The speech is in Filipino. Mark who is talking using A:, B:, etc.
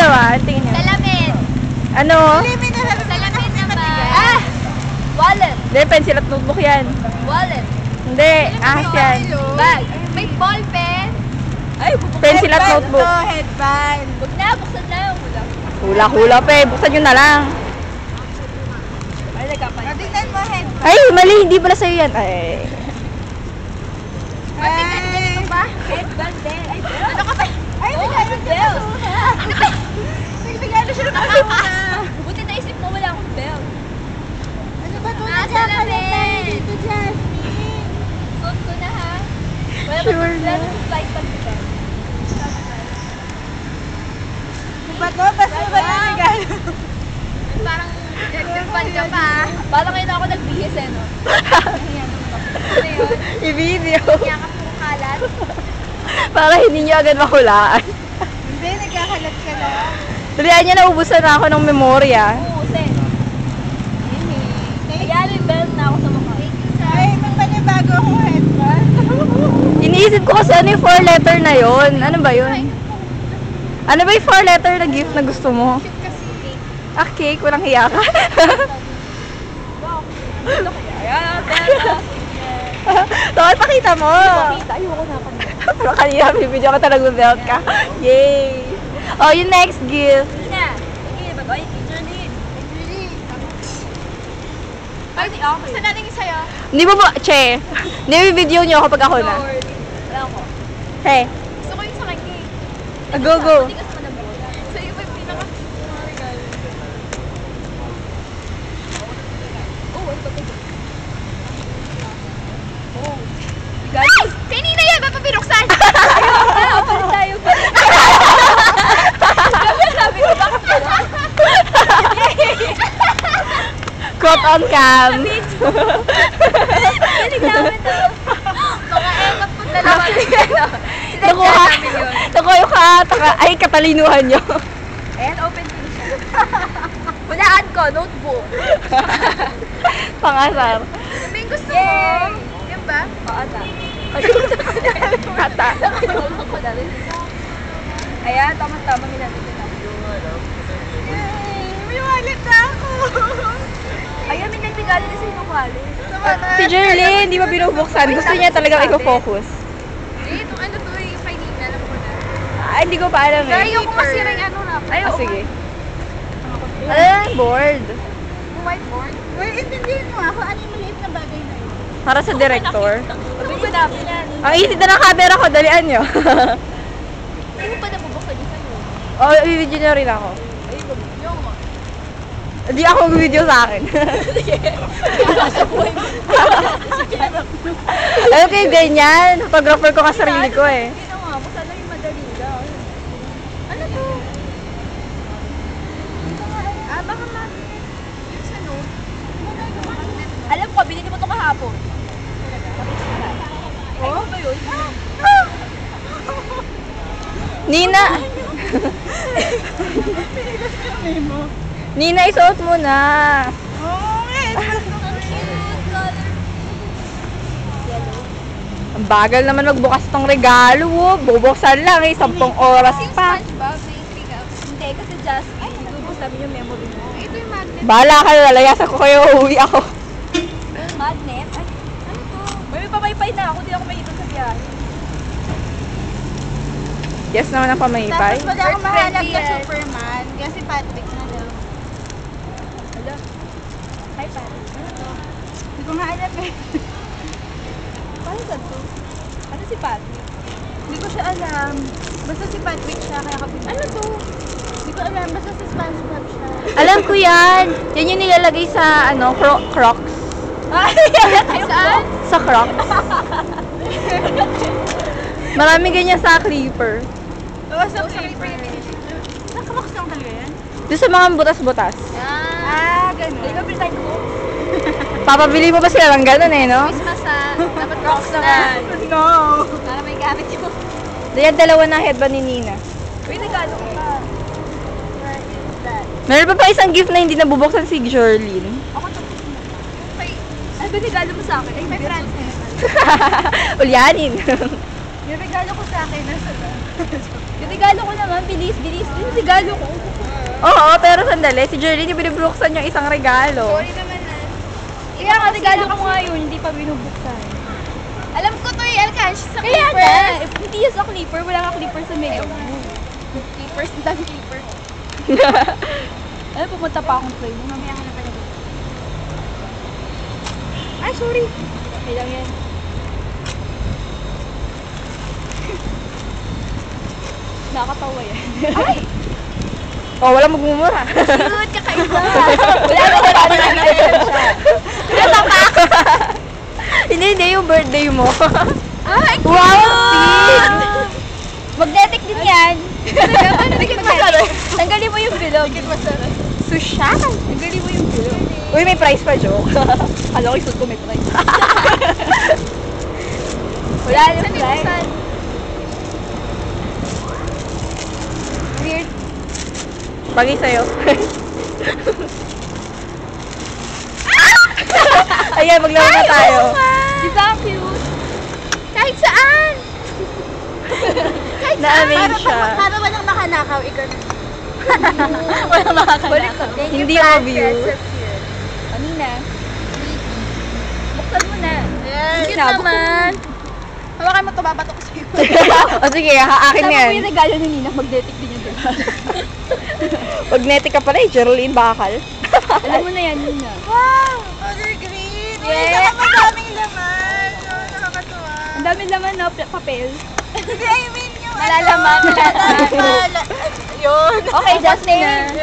A: dalawa? Tingin niyo.
B: Salamin.
A: Ano?
B: Salamin naman. Wallet.
A: Hindi, pencil at notebook yan.
B: Wallet.
A: Hindi, ahas yan.
B: Bag. May ball pen. Ay,
A: Pencil at notebook.
B: Headband. Huwag na, buksan na yung hula.
A: Hula-hula pa eh. Buksan nyo na lang.
B: Ay, nagkapalit. Tingnan mo headband.
A: Ay, mali. Hindi pala sa'yo yan. Ay.
B: Tingnan ganito ba? Headband din. Ay, ano ka ba? Ay, bigyan belt. Ano ba? Bigyan siya ng nakakuna. Buti naisip mo wala akong belt. Ano ba ito? Salamin. Dito, Jasmine. Suot ko na ha.
A: Sure na.
B: Flight pag diba?
C: Ba to? Basta ba yung regalo?
B: Parang nagpagpan ka pa. Parang ngayon ako nagbihis eh, no? Ano yun?
A: I-video.
B: Yakap mo kalat.
A: Para hindi nyo agad mahulaan.
C: Hindi, nagkakalat ka lang.
A: Dalihan nyo, naubusan na ako ng memorya.
B: Uusin. Kaya may belt na ako sa mukha.
C: Ay, may panibago akong headband.
A: Iniisip ko kasi ano yung 4-letter na yon. Ano ba yun? Ano ba yung 4-letter na gift na gusto mo?
B: Cute kasi cake.
A: Ah, cake. Walang hiya ka.
B: Ayan, belt.
A: Tapos pakita mo.
B: Ayoko na pa niya.
A: Pero kanina, bibidyo ka talaga belt ka. Yay! Oh, yung next gift.
B: Ina, sige, bye-bye. Teacher Lee. Ay, di ako. Saan natin yung sa'yo?
A: Hindi mo ba, che, hindi bibidyo nyo ako pag ako na.
B: Lord. Wala ko.
A: Hey,
B: Gusto ko yung sa kanya eh.
A: go, go.
B: Hindi kasi manabot. So, yung may pinaka-regalo. Oh, ito pa. Oh. Guys, kanina yan! Ba't pa pinuksan? Ayoko na! Palit tayo. Sabi ko, bakit pala?
A: Caught on cam.
B: Galing namin to. Mga ekot po dalawa.
A: Nakuha yung ay, katalinuhan nyo.
B: Ayan, open din siya. Hulaan ko, notebook.
A: Pangasar.
B: Ano yung gusto mo? Yan ba? Paata.
A: Kata.
B: Nakalimutan ko na rin. Ayan, tama-tama ginamit ko na.
C: Yay! May wallet na ako.
B: Ayan, may nagregalo na sa inong wallet.
A: Si Jerlyn, hindi ba binubuksan? Gusto niya talagang i-focus.
B: Eh, itong ano to yung kay Nina, alam ko na.
A: Ah, hindi ko pa alam
B: Kaya
A: eh.
B: yung masira yung ano na. Ay,
A: Ah, sige. Ano yan? Board.
B: Yung whiteboard.
C: Uy, intindihin mo ako. Ano yung maliit na bagay na yun?
A: Para sa director.
B: Mabilis namin yan.
A: Ang isit na ng camera ko, dalian nyo.
B: Hindi mo pa nabubuksan yung sa'yo.
A: Oh, i-video nyo rin ako.
B: Ay, yung mo.
A: Hindi ako mag-video sa akin.
B: Sa buhay mo.
A: Alam kayo, ganyan. Photographer ko ka sarili ko eh.
B: Hindi na nga, buksan lang yung madali lang. Ano to? Ah, baka magnet. Yung sa note. Alam ko, binili mo to kahapon. Ay, ano ba yun?
A: Nina! Nina, isuot mo na.
C: Oo, headband.
B: Ang cute color.
A: Ang bagal naman magbukas tong regalo. Oh. Bubuksan lang eh, 10 oras
B: Yung
A: pa.
B: SpongeBob, may pick up. Hindi, kasi Jasmine, ibubuksan mo yung memory mo. Ito yung magnet.
A: Bahala ka, lalayasan ko kayo, uuwi ako.
B: Magnet? Ay, ano to? May pamaypay na ako, hindi ako may sa biyahe.
A: Yes naman ang pamaypay.
C: Tapos wala akong mahanap na
B: Friendly yan.
C: Superman. Kasi Patrick na daw.
B: Hala. Hi, Patrick. Ano to?
C: Hindi ko nga alam eh.
B: Paano sa to? Ano si Patrick?
C: Hindi ko siya alam. Basta si Patrick siya, kaya kapit.
B: Ano to?
C: Hindi ko alam, basta si SpongeBob siya.
A: Alam ko yan. Yan yung nilalagay sa, ano, Crocs.
B: Saan?
A: Sa Crocs. Maraming ganyan sa Creeper.
C: Oo, sa Creeper. Sa Crocs lang talaga yan?
A: Doon sa mga butas-butas.
B: Ah, ganun. Hindi ba pinatay ko?
A: Papabili mo ba sila ng ganun eh, no?
B: Christmas dapat rocks naman.
C: No!
B: Para may gamit yung...
A: Diyan dalawa na headband ni Nina.
B: Uy, nagano ko pa. Where is that?
A: Meron pa isang gift na hindi nabubuksan si Jerlyn.
B: Ako to. Ay, ano ba regalo mo sa akin? Ay, may friends.
A: Ulyanin.
C: Yung regalo ko sa akin, nasa ba?
B: Yung regalo ko naman, bilis. Yung regalo ko.
A: Oo, pero sandali. Si Jerlyn yung binubuksan yung isang regalo.
C: Sorry naman na.
B: Kaya nga, regalo ko nga yun, hindi pa binubuksan.
C: Alam ko to yung alcansh sa
B: Kaya
C: clipper.
B: nga, if hindi yan sa clipper, wala nga clipper sa Mega Move.
C: Clippers, ang dami clipper.
B: Ano, pumunta pa akong train.
C: Mamaya ka na pala dito. Ay, sorry.
B: Okay lang yan. Nakakatawa yan.
C: Ay!
A: Oh, wala magmumura.
C: Cute, kakaiba.
B: Wala na siya.
A: Hindi, yung birthday mo.
C: Ay, cute!
A: Wow, sweet!
B: Magnetic din yan.
C: Dikit masarap.
B: Tanggalin mo yung bilog.
C: Dikit masarap.
A: Sushal!
B: Tanggalin mo yung bilog.
A: Uy, may price pa, joke.
B: Kala ko isuot ko may price. Wala yung
C: Saan
B: price.
C: saan?
B: Weird.
A: Bagay sa'yo. Ayan, maglaro na tayo.
B: Di ba ang cute?
C: Kahit saan! Kahit
A: Na-amaze siya.
C: Para walang makanakaw, ikaw na.
A: Wala makakalala.
B: Balik ka.
A: Hindi obvious.
B: Kanina. Buksan mo na.
C: Ayan.
B: Cute naman.
C: Hawakan mo to, babato ko sa'yo.
A: O sige, akin
B: Tama
A: yan.
B: mo yung regalo ni Nina, magnetic din yung regalo.
A: Magnetic ka pala eh, Geraldine Bakal.
B: Alam mo na yan, Nina.
C: Wow! Color green! Uy,
B: Yes.
C: saka madaming laman. Oh, nakakatuwa.
B: Ang dami naman, no? Papel.
C: Hindi, I mean yung
B: Malalaman.
C: Yun.
B: Okay, Justin.